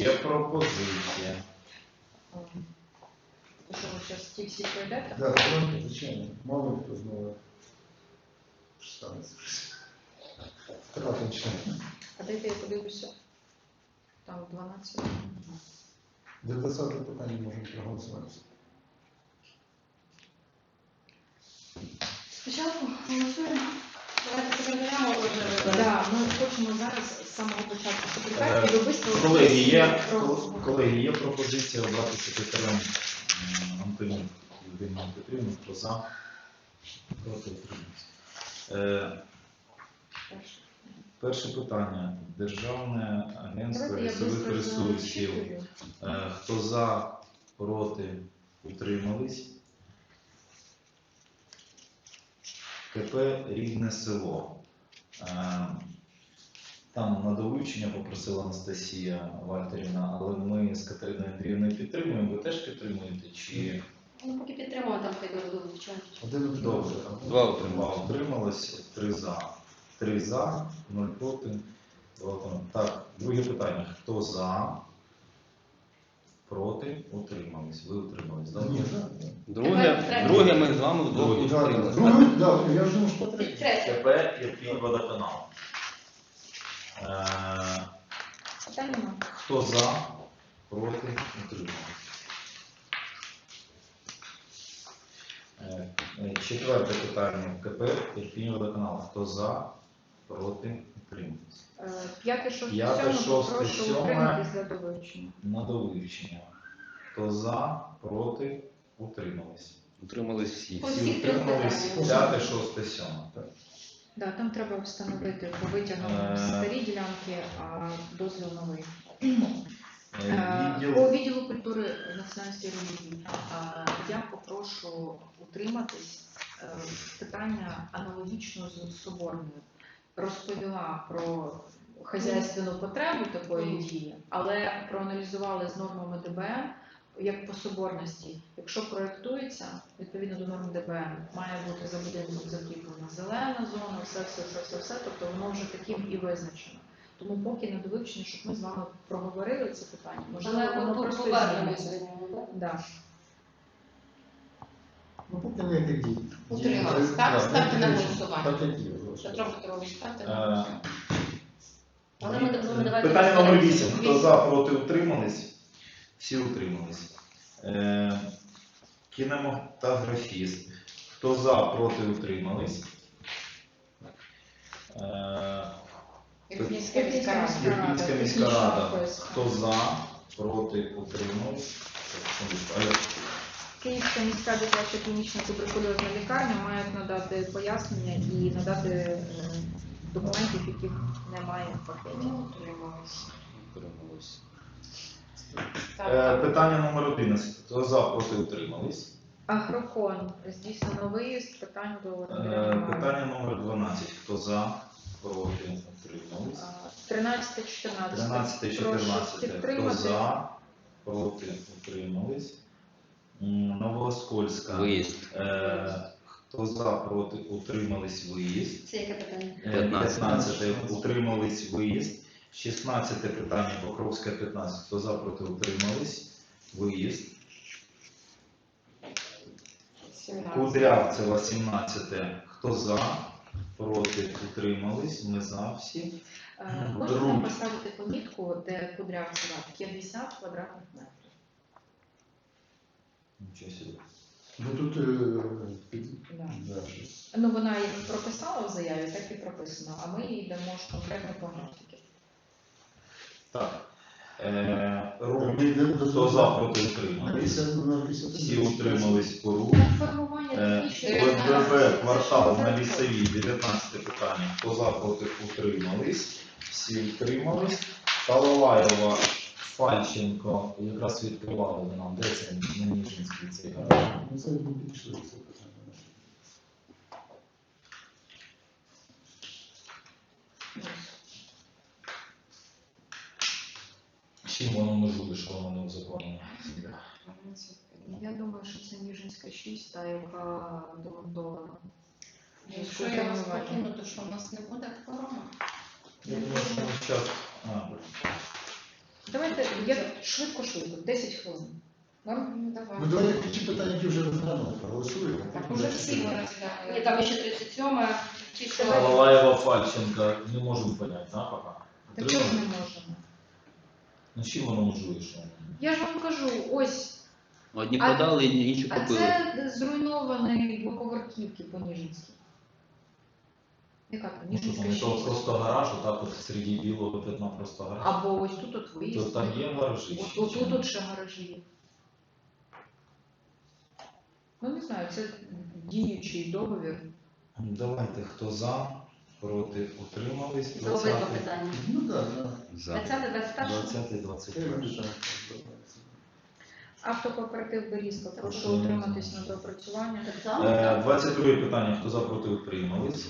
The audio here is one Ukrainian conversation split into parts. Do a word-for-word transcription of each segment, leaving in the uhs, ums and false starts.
Є пропозиція. То що ви зараз ті всі пройдете? Да, давайте, звичайно. Мало ли хто знову станеться. Втратим член. А дайте я подивлюся. Там дванадцять. До двадцятого питання можемо проголосувати. Спочатку голосуємо. Давайте секретаря можна вибрати. Так, ми хочемо зараз з самого початку секретаря і ви швидко... Колеги, є, колеги, є пропозиція обрати секретарем м, Антону Євгенію Петрівну, хто за, проти утримався. Е, Перше питання. Державне агентство Давайте я лісових швидко ресурсів. зачитую. Е, Хто за, проти, утримались. КП «Рідне село». Е, Там на довивчення попросила Анастасія Вальтерівна, але ми з Катериною Андріївною підтримуємо. Ви теж підтримуєте? Чи Ну, поки підтримуємо, там хай дуже вивчають. Один добре? Два Два утрималися. утрималось, три за. Три за, нуль проти. Два утрималось. Так, друге питання. Хто за, проти, утримались? Ви утримались, так? Ні, так. Друге, друге ми з вами вдвох Друге. утрималися. Друге, да, я ж думав, що третє. Третє. КП «Ірпінь водоканал». Е, Питань нема. Хто за, проти, утримались? Е, е, Четверте питання. КП «Ірпінь водоканал». Хто за, проти, утримались? Е, П'яте, шосте, П'яте, сьоме, шосте, попрошу сьоме. утриматись за довивчення. На довивчення. Хто за, проти, утримались? Утримались всі. По Всі всіх трьох утримались. питаннях. П'яте, шосте, сьоме. Да, там треба встановити по витягам Е. старі ділянки, а дозвіл новий. Е, Е, Відділ. По відділу культури національності і релігії е, я попрошу утриматись е, питання аналогічно з Соборною. Розповіла про хазяйственну потребу такої дії, але проаналізували з нормами ДБН, як по соборності. Якщо проєктується, відповідно до норм ДБН, має бути за будинком закріплена зелена зона, все, все, все, все, все, тобто воно вже таким і визначено. Тому поки на довивчення, щоб ми з вами проговорили це питання, можливо, Але воно ми просто повернемося зміниться. до нього, так? Да. Ну, поки не як дії. Утримались, так? Ставте на голосування. Так, як дії. Петро Петрович, ставте Е, на голосування. Але ми ми давайте... Питання номер вісім. Хто за, проти, утримались? Всі утримались. Е, Кінематографіст. Хто за, проти, утримались? Е, Ірпінська міська рада. Ірпінська міська Технічна рада. поїздка. Хто за, проти, утримались? Алло. Київська міська дитяча клінічна туберкульозна лікарня мають надати пояснення і надати е, документів, яких немає в пакеті. Ну, утримались. Утримались. Е, Питання номер одинадцять. Хто за, проти, утримались? Агрокон здійснено виїзд, питань до Е, немає. Питання номер дванадцять. Хто за, проти, утримались? тринадцяте чотирнадцяте. тринадцяте чотирнадцяте. Хто за, проти, утримались? М, Новооскольська. Виїзд. Е, Хто за, проти, утримались? Виїзд. Це яке питання? Е, п'ятнадцяте. п'ятнадцяте. Утримались? Виїзд. шістнадцяте питання. Покровська, п'ятнадцяте. Хто за, проти, утримались? Виїзд. сімнадцяте. Кудрявцева, сімнадцяте. Хто за, проти, утримались? Ми за всі. Е, Можна Друг. нам поставити помітку, де Кудрявцева п'ятдесят квадратних метрів. Нічого собі. Ну тут е, під... Да. Да, щось. Ну, вона її прописала в заяві, так і прописано, а ми їй дамо ж конкретно по графіки. Так. Е, Рух. Ми йдемо до Хто за, того. проти, На утримались? п'ятдесят, на п'ятдесят. Всі утримались по рух. На формування Е, технічної ОСББ, документації. квартал Це на що лісовій, дев'ятнадцяте питання. Хто за, проти, утримались? Всі утримались. Талалаєва, Фальченко, якраз відкривали нам, де це на Ніжинській цей гараж. Ну, це не підійшли, це питання. Чим воно межує, що воно не узаконено? Я думаю, що це Ніжинська шість, та яка демонтована. Якщо я вас покину, то що у нас не буде кворуму? Я думаю, що ми зараз... А, Давайте я швидко-швидко, десять хвилин. Норм? Ну, давай. Ну давайте ті питання, які вже розглянули, проголосуємо. Так, уже всі ми Ні, розглянули. Там ще тридцять сьома. Ті, що... Балаєва, Фальченко, не можемо поняти, да, пока? Та чого ж не можемо? Ну, чим воно можливо, що? Я ж вам кажу, ось, Одні А- подали, інші а купили. це зруйновані двоповерхівки по Ніжинській. Яка там? Ну, що там, Ніжинська то шість. просто гараж, отак от серед білого пятна просто гараж. Або ось тут от То виїзд. там є гаражі? Ось чи тут, ні? тут, тут ще гаражі є. Ну, не знаю, це діючий договір. Ну, давайте, хто за, проти, утримались. Це обидва питання. Ну так, так. За. двадцяте, двадцять перше. двадцятий, двадцять перший. Автокооператив Берізка, прошу Прошу. утриматись на доопрацювання. Так само, Е, так? двадцять друге питання, хто за, проти, утримались.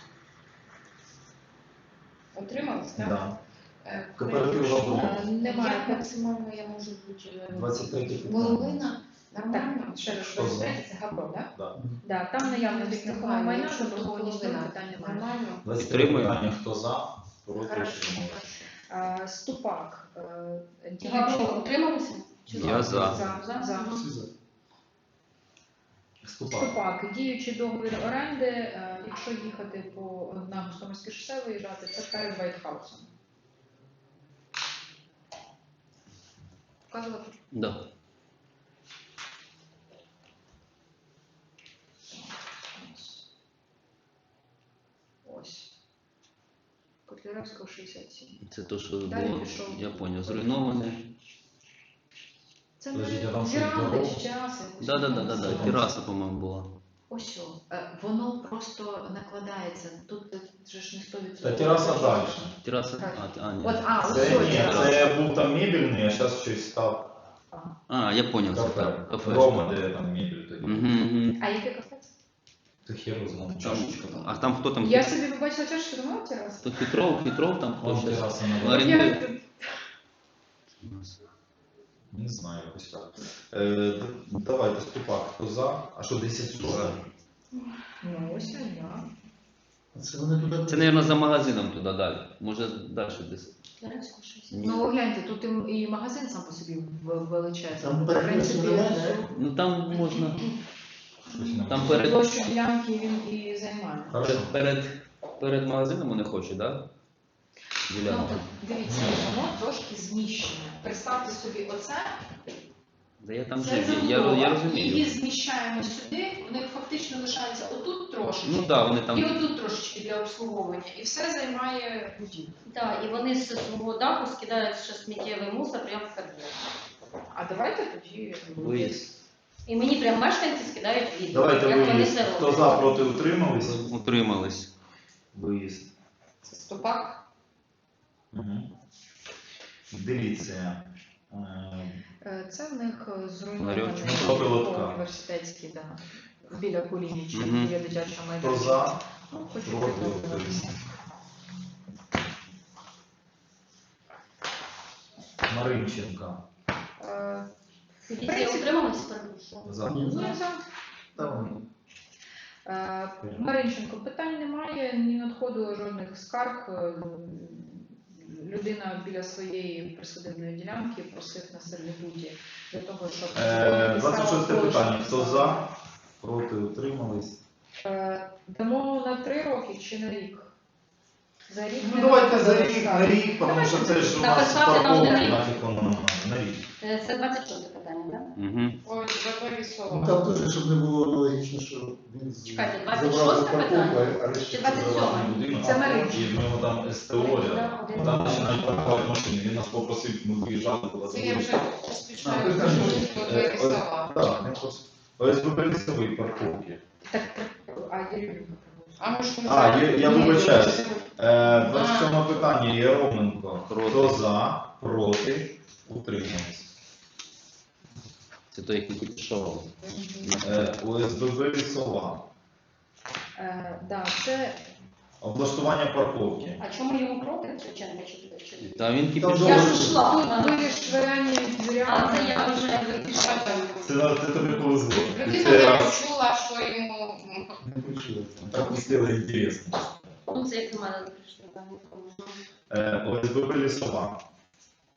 Утримались, так? Да. Е, Кооператив Габров. Е, Немає. Як максимально я можу бути? двадцять третє питання. Половина? Нормально? Так, ще раз, Що за? двадцять третє це Габро, так? Да. Да, там наявність нерухомого майна, Якщо заборгованість половина. питань немає. Нормально? двадцять третє Підтримую. питання, хто за, проти, Хорошо. Е, утримались. Ступак. е, Габро діючий- утрималися? Чи Я за. За, за, за. Всі за. Ступак. Ступак, діючий договір оренди, е, якщо їхати по на Гостомельське шосе виїжджати, це перед Вайтхаусом. Вказувати? Да. Ось. Котляревського шістдесят сім. Це то, що Далі було, пішов. я поняв, зруйноване. Це Подождіть, а не там що, віранди дорога? чи тераса якось. Да, да, да, да, да. називається. Тераса, по-моєму, була. Ось о, е, воно просто накладається. Тут е, вже ж не сто відсотків. Та тераса далі. Тераса, Так. а, а, ні. От, а, ось Це о, ні, тераса. це був там мебельний, а зараз щось став А, я поняв, це кафе. так, кафе. Рома, де там мебель тоді. Угу, угу. А яке кафе? Ти херу знав, Там, чашечка там. а там хто там? Я собі побачила чашку, думала тераса. То Хитров, Хитров там хто Вон щось? тераса на Ларі- дворі. Орендує. Я- Не знаю, якось так. Е, д- давайте, Ступак, хто за? А що, десять сорок? Ну, ось я. Це вони туди. Це, мабуть, за магазином туди далі. Може, далі десь. Котляревського щось. Ні. Ну, гляньте, тут і, і магазин сам по собі в- величезний. Там В перехрестя принципі, немає, не? Ну там можна. Щось не Там можу. перед, площу ділянки він і займає. Хорошо. перед, перед магазином вони хочуть, так? Да? Ну, Ділянку. дивіться, воно трошки зміщене. Представте собі оце. Да я там Це жив, я, я, я забудова. Її розумію. зміщаємо сюди, вони фактично лишаються отут трошечки. Ну так, да, вони І там. отут трошечки для обслуговування. І все займає будівлю. Так, і вони з свого даху скидають ще сміттєвий мусор прямо в під'їзд. А давайте тоді Виїзд. І мені прям мешканці скидають відео, Давайте як вони виїзд. це Хто роблять. за, проти, утримались? Утримались. Виїзд. Це стопак. Угу. Дивіться. Е, Е, Це в них е, зруйнований Ларьочок. Шоколадка. університетський, да. Біля Кулініча, Мгм. біля дитячого Хто майданчика. за, Ну, хочу проти, підтримати. утримались? Маринченка. Е, Поліція утрималась, перепрошую. За. Ні, Ну, за. за. Там. Е, Маринченко, питань немає, ні надходило жодних скарг. Е, Людина біля своєї присадибної ділянки просив на сервітуті для того, щоб Е, писала двадцять шосте площу. питання. Хто за, проти, утримались? Е, Дамо на три роки чи на рік? За рік Ну не давайте за надходило рік, скарг. на рік, тому що це ж у нас Написати нам парковка, на рік. нафіг воно нам на рік. Е, Це двадцять шосте питання, так? Угу. Ой, забери слово. Ну там теж, щоб не було аналогічно, що він з- Чекайте, забрав двадцять шосте парковку, питання? а решті Чи двадцять сьоме? забрав. Будинок, Це Маринченко. і в нього там СТО рядом. Один. Там починають паркувати машини. Він нас попросив, ми виїжджали туди. Це я вже А, поспішаю, ви там що можете. тут Е, двері ось- села. Так, не просто. ОСББ лісової парковки. Так, а Єрюнька. А може А, я, я Ні, вибачаюсь. ні, Е, двадцять сьоме питання. Єроменко. Проти. Хто за, проти, утримались. Це той, який пішов. Е, ОСББ лісова. Е, да, це Облаштування парковки. А чому йому проти? Звичайно, чи туди, чи туди? Та він Там кипішов. Я добре. ж йшла. тут а. вирішування дверям. А, це я вже вирішила. Це, на- це тобі повезло. Людина Це не раз. почула, що йому Не почули. Так пустило інтересно. Ну, це як до мене прийшло. так, нікому. Е, ОСББ лісова.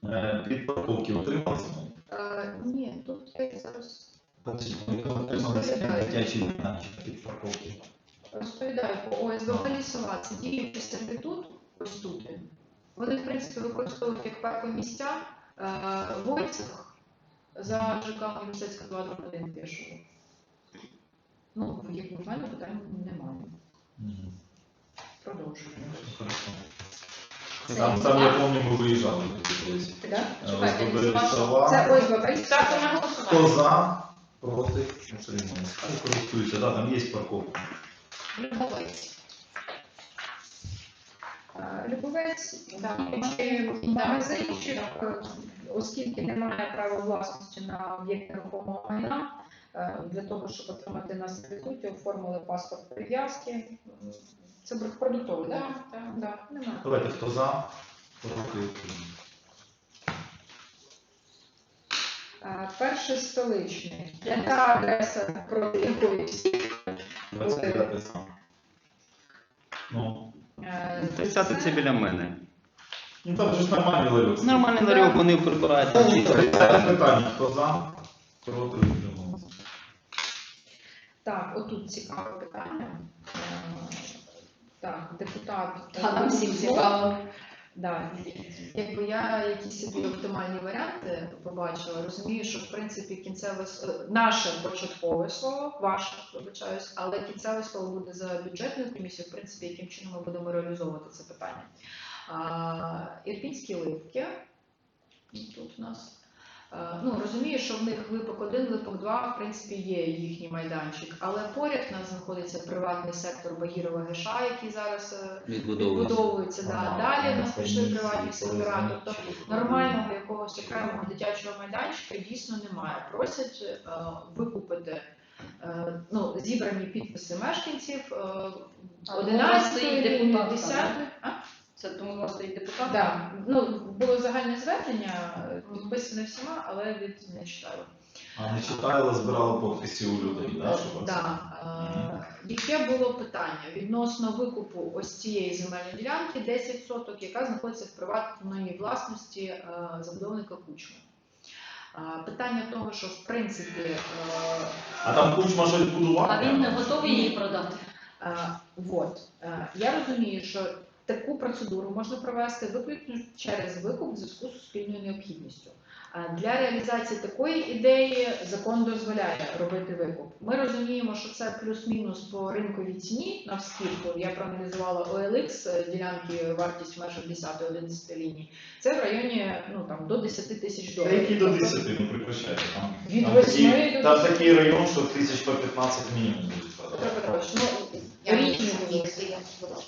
Е, Під парковки утрималися? Е, ні, тут я зараз Утрималися дитячі майданчик під парковки. розповідаю по ОСББ Лісова. Це діючий сервітут, ось тут. він. Вони, в принципі, використовують як паркомісця е, Войцах за ЖК Університетська два один пішого. Ну, як в мене питань немає. Мгм. Продовжуємо. Хорошо. Це Там, там я лісова? пам'ятаю, ми виїжджали колись. Да? Чекайте, ОСББ лісова. Лісова. Це ОСББ. Ставте на Хто голосування. за, проти, утрималися. Хай користуються, да, там є парковка. Любовець. Е, Любовець, да, чи магазинчик, е, оскільки немає права власності на об'єкт нерухомого майна, е, для того, щоб отримати на сервітуті, оформили паспорт прив'язки. М, Це продуктовий, так? Так, так, немає. Давайте, хто за, проти, утрималися. Е, Перший столичний. Яка адреса проти якої всі? двадцять дев'яте саме. Ну, Е, тридцяте це біля мене. ну там же ж нормальний ларьок. Нормальний ларьок, вони прибирають. Це чисто. питання, хто за, проти, утрималися. Так, отут цікаве питання. Е, Так, депутат. Та нам всім цікаво. Да. Якби я якісь собі оптимальні варіанти побачила, розумію, що в принципі кінцеве с- е, наше початкове слово, ваше, вибачаюсь, але кінцеве слово буде за бюджетною комісією, в принципі, яким чином ми будемо реалізовувати це питання. А, Ірпінські ливки. Тут у нас. Е, Ну, розумію, що в них випок один, випок два, в принципі, є їхній майданчик, але поряд у нас знаходиться приватний сектор Багірова ГШ, який зараз е, Відбудовують. відбудовується. Да. Ага, Далі у нас це пішли місце, приватні це сектора, розумію. тобто нормального якогось окремого дитячого майданчика дійсно немає. Просять е, викупити е, ну, зібрані підписи мешканців е, А тому одинадцятої, стоїть депутатка, десятої. А? Це тому у вас стоїть депутат? Да. Ну, було загальне звернення, е, підписане всіма, але від не читали. А не читали, збирали підписи у людей, да, щоб Да. Е, Яке було питання відносно викупу ось цієї земельної ділянки десять соток, яка знаходиться в приватній власності е, забудовника Кучми. Е, Питання того, що в принципі е, А там Кучма щось будував? А він не готовий її продати. е, вот, е, я розумію, що таку процедуру можна провести виключно через викуп в зв'язку з суспільною необхідністю. Е, Для реалізації такої ідеї закон дозволяє робити викуп. Ми розуміємо, що це плюс-мінус по ринковій ціні на вскидку. Я проаналізувала о ел ікс е, ділянки, вартість в межах десять-одинадцять ліній. Це в районі ну, там, до десять тисяч Та доларів. які до Тобто десяти, не прекращайте. Там, Від там, восьми такі- до там десяти. такий район, що тисяч по п'ятнадцять мінімум будуть Петро продавати. Петрович, ну, річні будуть.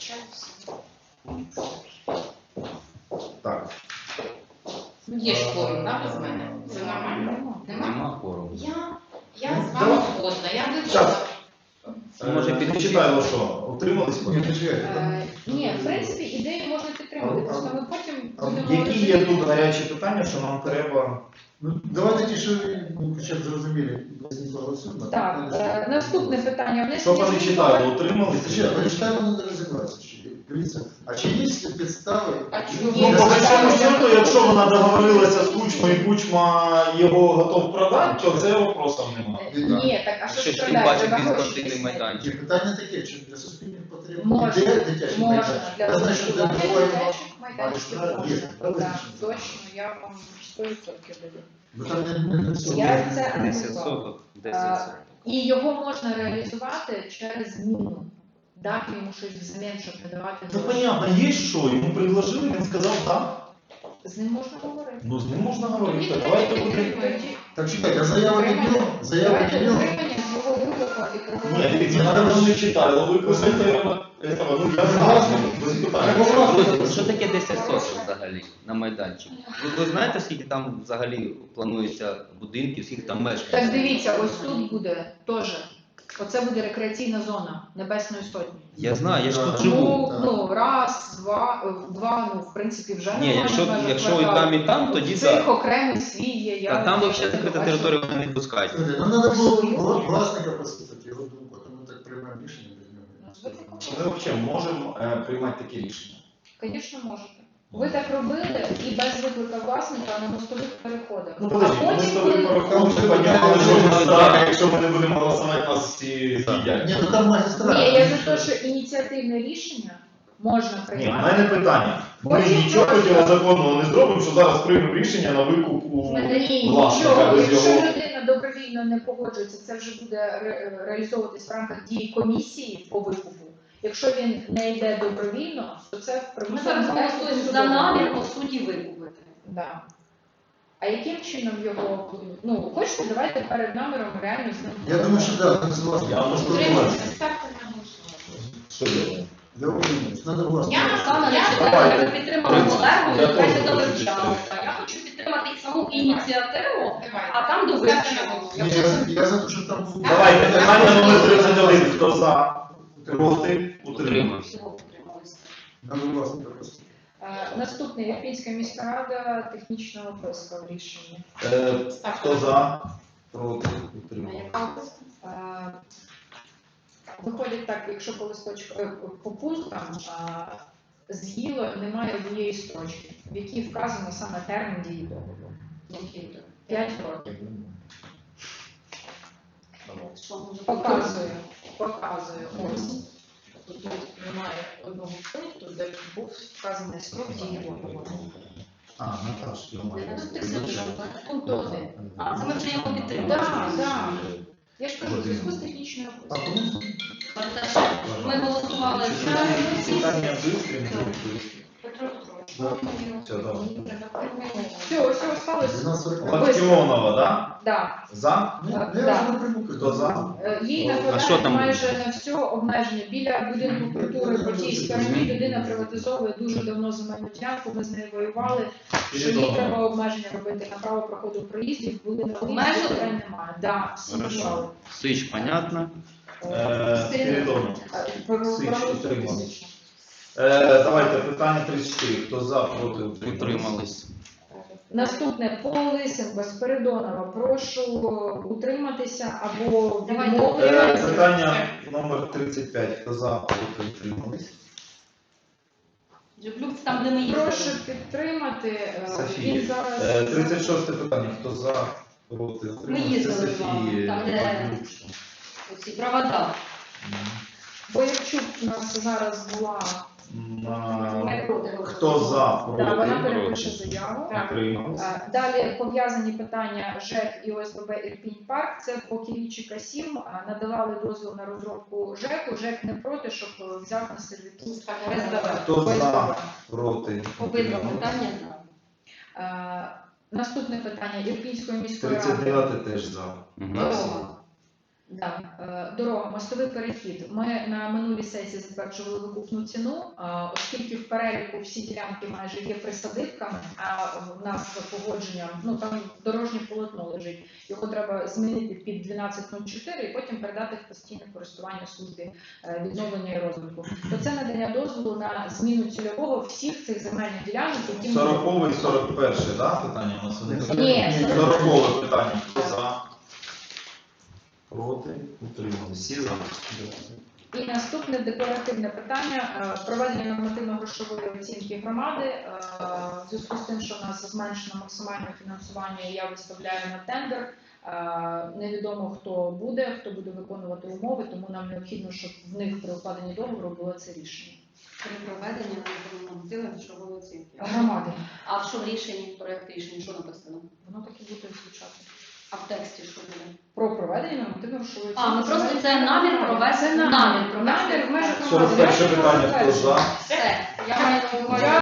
Так. Ну, є ж кворум, да, без мене? Це нормально? Нема? Нема кору. Я, я з вами згодна, я не Щас. Ну, може, Е, не підключити? читаю, що утримались? Ні, не чекайте, там- Е, Ні, в принципі, ідею можна підтримати, А- просто ми потім а будемо... Які є тут гарячі питання, що нам треба? Ну, давайте ті, що ну, хоча б зрозуміли, не голосуємо. Так, е, наступне питання. Що Внесення вони змін читали, до- утримались? Ще, ви читаємо, не розібратися. ще. Дивіться, а чи є підстави? А чому? Ну, Ні, по це большому так. счету, якщо вона договорилася з Кучмою, і Кучма його готов продати, то це вопросом немає. Е, Ні, так, а що Ще ж ж тим продати? паче Треба гроші безпартійний писати. майданчик. Чи питання таке, чи для суспільних потреб? Можна, Іде дитячий можна. майданчик? Для Я знаю, що для розвитку другої дитячих майданчиків Можна, можна. є, Так, визначено. точно, я вам сто відсотків даю. Бо там не, не, не все. Я це десять аналізувала. соток. десять соток. І його можна реалізувати через зміну. Дати йому щось взамін, щоб не давати Ну гроші. понятно, є що, йому предложили, він сказав так. З ним можна говорити. Ну з ним можна говорити. Тоді Давайте тоді будемо. підтримуємо. Так чекайте, а заява не діло? Заява Давайте не діло? утримання з його виклику і Ні, проголосуємо. дивіться, вона давно не читала, викликати треба. этого, Ну я знаю, без питань. Друзі, що таке десять соток взагалі на майданчику? Ви, ви знаєте, скільки там взагалі планується будинків, скільки там мешканців? Так дивіться, ось тут буде теж. Оце буде рекреаційна зона Небесної Сотні. Я знаю, я ж тут Так. живу. Ну, ну, раз, два, е, два, ну, в принципі, вже Ні, немає якщо, в межах якщо і кварталу. там, і там, тоді Цих так. окремий свій є. Я А там не взагалі закрита бачу. територія, вони не пускають. Слухайте, ну треба було вла- власника послухати, його думку, а то ми так приймаємо рішення без нього. Ми взагалі можемо е, приймати такі рішення. Звісно, можете. Ви так робили і без виклика власника на мостових переходах. Ну, А подожди, ми з потім, тобою коли... порахували, що підняли жодного страха, якщо ми не будемо голосувати, нас всі з'їдять. Ні, ну там магістрат. Ні, я за те, що ініціативне рішення можна Ні, в приймати. мене питання. Ми Потім нічого просто- протизаконного не зробимо, що зараз приймемо рішення на викуп у Ні, власника нічого. без Якщо його. людина добровільно не погоджується, це вже буде ре- реалізовуватись в рамках дії комісії по викупу. Якщо він не йде добровільно, то це в Ми примусовому зараз порядку голосуємо за судовому. намір по суті викупити. Да. А яким чином його, ну, хочете, давайте перед наміром реально з ним. Я думаю, що так, не согласен. Я можу Утримуйтесь, ставте на голосування. Що я? Я умею, надо власне. Я Саме Я- не Давайте. ми підтримали Олегу, Я і краще теж до хочу вивчала. підтримати. Я хочу підтримати саму ініціативу, Давайте. а там до Ставте на вивчення. голосування. Ні, я, я за те, що там... Давайте, питання номер тридцять один. Хто за? Проти? Утримався. Утримався. Всього підтрималися. Надо власне просто. Е, Наступний Ірпінська міська рада технічного описка в рішенні. Е, Хто за? Проти? Утримався. Е, Виходить так, якщо по листочку е, по пунктам е, з'їло немає однієї строчки, в якій вказано саме термін дії договору. П'ять років. Що може Показую, показую. Ось. Тут немає одного пункту, де був вказаний строк дії договору. А, Наташ, я маю. Пункт один. А, це ми вже його підтримали. Так, так. Я ж кажу, в зв'язку з технічною А опискою. тому Ми голосували за Питання бистрі, не бистрі. Петро Петрович. Все, давай. Все, все осталось. дванадцять сорок. Локтіонова, да? Да. За? Ну, Так, я да. вже не приму. Хто за? Е, Їй А що накладають там майже на все обмеження. Біля будинку культури по тій стороні людина приватизовує дуже давно земельну ділянку, ми з нею воювали, що їй треба обмеження робити на право проходу проїздів, були на Обмежили? вулиці, питань немає. Да, всі Хорошо. вважали. Сич, понятно. Е, Спірідонов. Е, про- Сич, проголосуйте. утримались. Е, Давайте, питання тридцять чотири. Хто за? Проти? Утримались. Утримались. Наступне по Лисенко, Спиридонова. Прошу утриматися або Давайте. Е, відмовитися. Питання номер тридцять п'ять. Хто за? Проти? Утримались. Джеплюк там, де ми їздили. Прошу підтримати. е, Софія. Він зараз Е, тридцять шосте питання. Хто за? Проти? Ми Утримались. Це їздили з вами, Софії. там, де оці провода. Боярчук у нас зараз була. На... Ми проти Хто за? Да, вона Проти? перепише заяву. Утримались. Е, Далі пов'язані питання ЖЕК і ОСББ Ірпінь Парк. Це по Киричика сім. Е, Надавали дозвіл на розробку ЖЕКу. ЖЕК не проти, щоб е, взяв на сервітут. Хто за? Проти? Обидва Утримались. питання за. Е, Наступне питання Ірпінської міської ради. тридцять дев'яте теж за. Мгм. Дорога. Да. е, Дорога, мостовий перехід. Ми на минулій сесії затверджували викупну ціну, е, оскільки в переліку всі ділянки майже є присадибками, а в нас за погодженням, ну там дорожнє полотно лежить, його треба змінити під дванадцять нуль чотири і потім передати в постійне користування службі е, відновлення і розвитку. То це надання дозволу на зміну цільового всіх цих земельних ділянок, які ми- Сорокове і сорок перше, да? Питання у нас вони? Ні, Сорокове питання. Хто за? Проти? Утримались. Всі за? І наступне декларативне питання е, проведення нормативно-грошової оцінки громади. Е, В зв'язку з тим, що в нас зменшено максимальне фінансування, я виставляю на тендер. Е, Невідомо хто буде, хто буде виконувати умови, тому нам необхідно, щоб в них при укладенні договору було це рішення. При проведенні нормативної грошової оцінки. Громади. А що в рішенні, проєкт рішення, що написано? Воно так і буде звучати. А в тексті що буде? Про проведення нормативно-грошової оцінки. А, ну просто це намір провести. Це намір. Намір провести. Намір в межах сорок перше громади. питання. Хто за? Все. Я маю на увазі.